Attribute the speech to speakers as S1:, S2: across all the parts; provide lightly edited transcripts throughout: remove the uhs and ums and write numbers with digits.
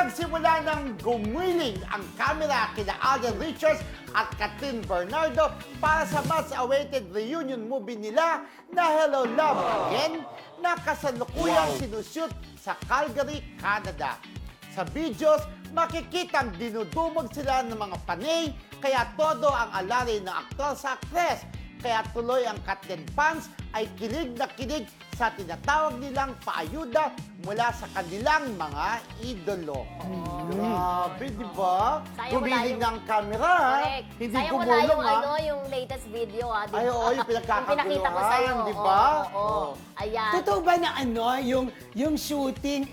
S1: Nagsimula ng gumiling ang kamera kina Alden Richards at Catherine Bernardo para sa much-awaited reunion movie nila na Hello Love Again na kasalukuyang sinushoot sa Calgary, Canada. Sa videos, makikitang dinudumog sila ng mga panay kaya todo ang alari ng aktor sa aktres. Kaya tuloy ang Catherine fans ay kilig na kilig sa tinatawag nilang paayuda mula sa kanilang mga idolo. Grabe, di ba? Gumiling ng camera,
S2: Correct.
S1: hindi
S2: Sayang wala
S1: gumulong,
S2: yung,
S1: ha?
S2: yung latest video, ha?
S1: Ay, oo, yung pinagkakaguluhan,
S2: pinakita ko sa'yo.
S1: di ba?
S2: Oo. Ayan.
S3: Totoo ba na yung shooting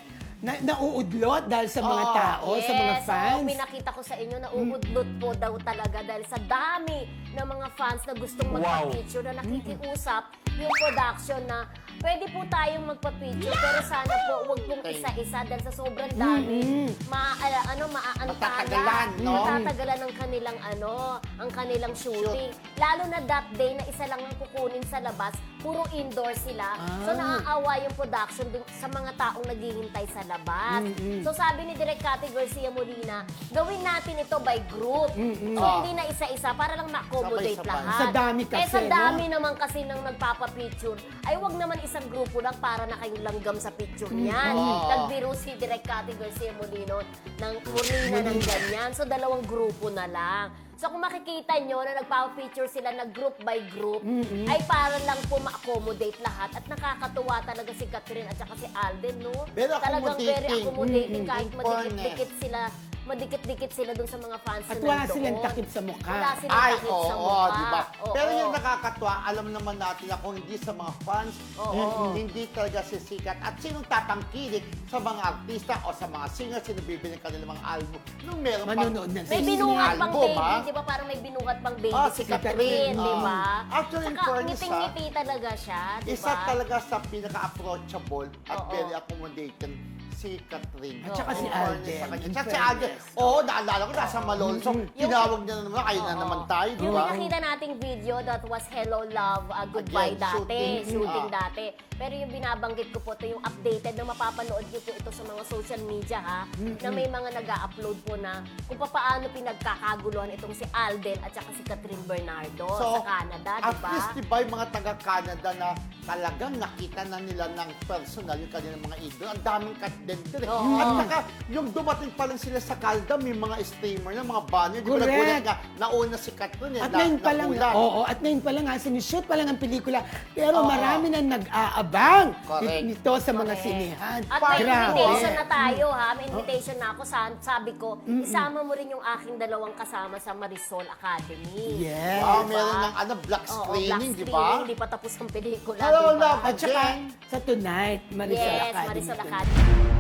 S3: nauudlot dahil sa mga tao, sa mga fans?
S2: Yes, pinakita ko sa inyo na uudlot po daw talaga dahil sa dami ng mga fans na gustong magpa-picture na nakikiusap yung production na pwede po tayong magpa-picture pero sana po wag pong isa-isa dahil sa sobrang dami
S1: Matatagalan, no?
S2: matatagalan ang kanilang shooting. Lalo na that day na isa lang ang kukunin sa labas, puro indoor sila. So naaawa yung production dun sa mga taong naghihintay sa labas. So sabi ni Direk Cathy Garcia Molina, gawin natin ito by group. So hindi na isa-isa para lang ma-accommodate
S1: Sabay-sabay.
S2: lahat.
S3: Sa dami kasi,
S2: sa dami
S3: no?
S2: naman kasi nang nagpapapicture, ay wag naman isang grupo lang para na kayong langgam sa picture niyan. Nagbiro si Direk Cathy Garcia Molina ng ganyan. So dalawang grupo na lang. So kung makikita nyo na nagpapapicture sila na group by group, ay para lang po ma-accommodate lahat. At nakakatuwa talaga si Catherine at saka si Alden, no?
S1: Very
S2: Talagang very accommodating kahit
S1: In
S2: madikit-dikit sila dun sa mga fans
S3: At
S2: na
S3: wala
S2: nandoon.
S3: silang takip sa mukha.
S2: Wala silang
S1: Ay,
S2: takip sa
S1: oo,
S2: mukha.
S1: di ba?
S2: Oo.
S1: Pero yung nakakatuwa, alam naman natin na kung hindi sa mga fans, hindi talaga sisikat. At sinong tatangkilik sa mga artista o sa mga singers, sino bibili ng kanilang mga album. Nung meron
S3: Manonood na
S2: May
S3: sila.
S2: binungat pang
S1: album,
S2: baby,
S1: ha?
S2: di ba? Parang may binungat pang baby
S1: Si
S2: si Catherine, di ba?
S1: Actually, in
S2: Saka
S1: fairness,
S2: ngiting-ngiti talaga siya, di ba?
S1: Isa talaga sa pinaka-approachable at
S2: Oo.
S1: very accommodating si Catherine.
S3: At saka si
S1: In fairness
S3: Alden.
S1: sa kanya.
S3: In
S1: At si Alden,
S3: fairness.
S1: oo, naalala ko, nasa Malone. So, tinawag niya na naman, kayo na
S2: Oo.
S1: naman tayo, di
S2: Yung
S1: ba?
S2: nakita nating video, that was Hello Love, Goodbye
S1: Again,
S2: dati, shooting
S1: ah.
S2: dati. Pero yung binabanggit ko po, ito yung updated na mapapanood nyo po ito sa mga social media, ha? Na may mga nag-upload po na kung paano pinagkakaguluhan itong si Alden at saka si Catherine Bernardo sa Canada, di
S1: at
S2: ba?
S1: least, di ba, yung mga taga-Canada na talagang nakita na nila ng personal yung kanilang mga idol. Ang daming Catherine din.
S2: Oo.
S1: At saka, yung dumating pa lang sila sa Calda, may mga streamer na, mga banner. Di ba,
S3: Correct.
S1: nagulat nga, nauna si Catherine.
S3: At ngayon pa lang, at ngayon pa lang sinishoot pa lang ang pelikula. Pero marami na nag-aabang
S1: Correct.
S3: nito sa mga
S2: Correct.
S3: sinihan.
S2: At may
S3: Grabe.
S2: invitation na tayo, ha? May invitation na ako. Sabi ko, isama mo rin yung aking dalawang kasama sa Marisol Academy.
S3: Yes.
S1: Wow,
S2: Diba?
S1: meron ng black
S2: Oo,
S1: screening,
S2: black
S1: di ba?
S2: Hindi pa tapos ang pelikula,
S1: Hello,
S2: di ba?
S1: love.
S3: At saka,
S1: Again.
S3: sa Tonight, Marisol
S2: Yes,
S3: Academy.
S2: Marisol
S3: Tonight.
S2: Academy.